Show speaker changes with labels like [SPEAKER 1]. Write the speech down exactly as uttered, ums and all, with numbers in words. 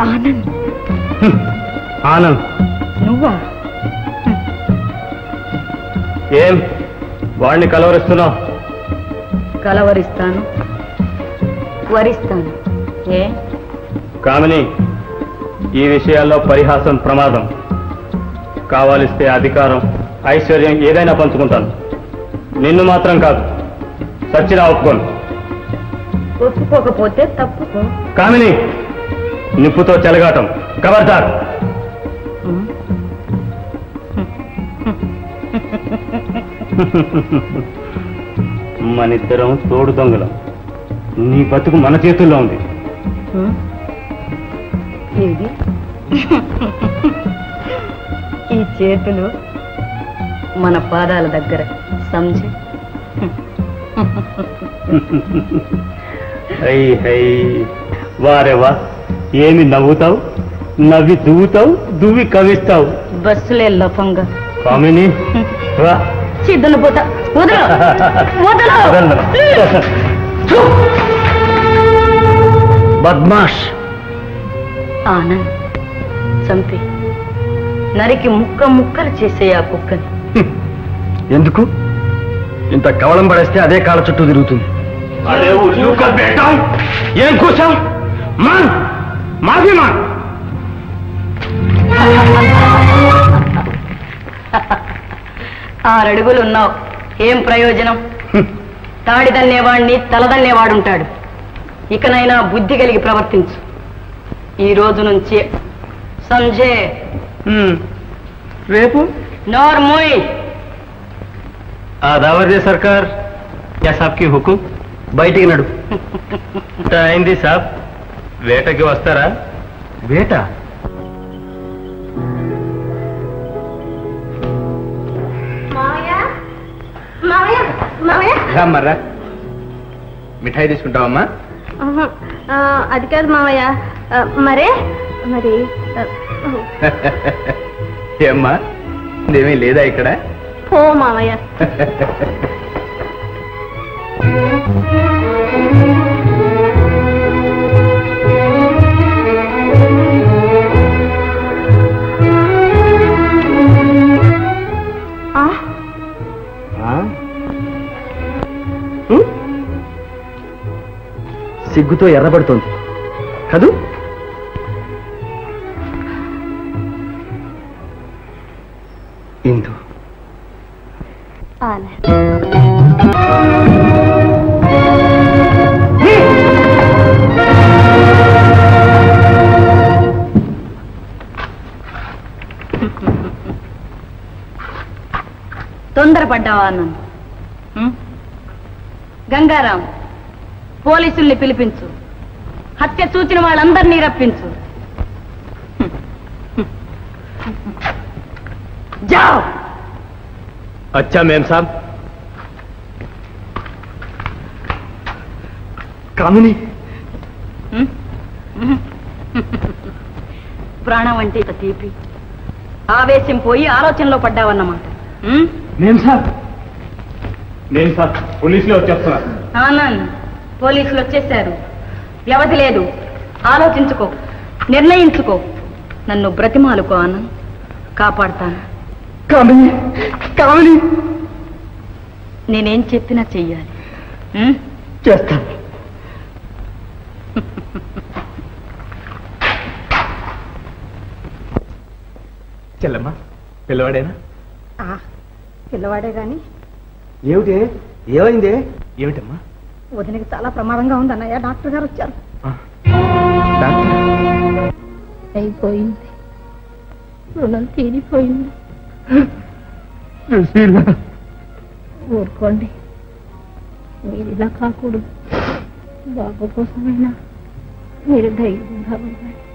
[SPEAKER 1] ఆనంద్.
[SPEAKER 2] ఆనంద్
[SPEAKER 1] నువ్వా?
[SPEAKER 2] ఏం వాడిని కలవరిస్తున్నావు?
[SPEAKER 1] కలవరిస్తాను, వరిస్తాను. ఏ
[SPEAKER 2] కామిని, ఈ విషయాల్లో పరిహాసం ప్రమాదం. కావాలిస్తే అధికారం, ఐశ్వర్యం ఏదైనా పంచుకుంటాను. నిన్ను మాత్రం కాదు. సచ్చినా ఒప్పుకోను.
[SPEAKER 1] ఒప్పుకోకపోతే తప్పుకో.
[SPEAKER 2] కామిని, నిప్పుతో చెలగాటం ఖబర్దార్. మనిద్దరం తోడు దొంగలం. నీ బతుకు మన చేతుల్లో ఉంది.
[SPEAKER 1] ఏది ఈ చేతులు మన పాదాల దగ్గర సంజయ్.
[SPEAKER 2] హై హై వారేవా, ఏమి నవ్వుతావు? నవ్వి దువ్వుతావు, దువ్వి కవిస్తావు.
[SPEAKER 1] బస్సులే లఫంగా.
[SPEAKER 2] కామిని రా.
[SPEAKER 1] చిద్దును పోతా.
[SPEAKER 2] బద్మాష్.
[SPEAKER 1] ఆనంద్, చంపి నరికి ముక్క ముక్కలు చేసే ఆ కుక్కని.
[SPEAKER 2] ఎందుకు? ఇంత కవలం పడేస్తే అదే కాళ్ళ చుట్టూ తిరుగుతుంది. ఏం కూర్చాం? మాన్ మాఫీ మాన్.
[SPEAKER 1] ఆరడుగులున్నావు, ఏం ప్రయోజనం? తాడిదన్నేవాడిని తలదన్నేవాడుంటాడు. ఇకనైనా బుద్ధి కలిగి ప్రవర్తించు. ఈ రోజు నుంచి సంజయ్.
[SPEAKER 2] రేపు
[SPEAKER 1] నోర్మోయ్.
[SPEAKER 2] ఆదావర్దే సర్కార్. యా సాబ్ కి హుకుం. బయటికి నడు. అయింది సాబ్. వేటకి వస్తారా? వేట? మర్రా, మిఠాయి తీసుకుంటావమ్మా?
[SPEAKER 3] అది కాదు మావయ్య. మరే మరి
[SPEAKER 2] ఏమ్మా, ఇదేమీ లేదా ఇక్కడ?
[SPEAKER 3] పో మావయ్య.
[SPEAKER 2] సిగ్గుతో ఎర్రబడుతోంది కదూ? ఇందు
[SPEAKER 1] తొందరపడ్డావా అన్నాను. గంగారాం, పోలీసుల్ని పిలిపించు. హత్య చూచిన వాళ్ళందరినీ రప్పించు. జావ్.
[SPEAKER 2] అచ్చా మేం సాబ్. కామిని,
[SPEAKER 1] ప్రాణం అంటే ఇంత తీపి. ఆవేశం పోయి ఆలోచనలో పడ్డావన్నమాట.
[SPEAKER 2] మేం సాబ్, మేం సాబ్ పోలీసులు వచ్చేస్తున్నారు.
[SPEAKER 1] ఆనంద్, పోలీసులు వచ్చేశారు. వ్యవధి లేదు. ఆలోచించుకో, నిర్ణయించుకో. నన్ను బ్రతిమాలుకో ఆనంద్, కాపాడుతాను.
[SPEAKER 2] కామిని, కామిని,
[SPEAKER 1] నేనేం చెప్పినా చెయ్యాలి.
[SPEAKER 2] చేస్తాను. చెల్లమ్మా, పిల్లవాడేనా?
[SPEAKER 3] పిల్లవాడే గాని.
[SPEAKER 2] ఏమిటి? ఏమైంది? ఏమిటమ్మా?
[SPEAKER 3] వదినకి చాలా ప్రమాదంగా ఉంది అన్నయ్య. డాక్టర్ గారు వచ్చారు. అయిపోయింది, రుణం తీరిపోయింది. ఊరుకోండి, మీరు ఇలా కాకూడదు. బాబు కోసమైనా మీరు ధైర్యంగా ఉండాలి.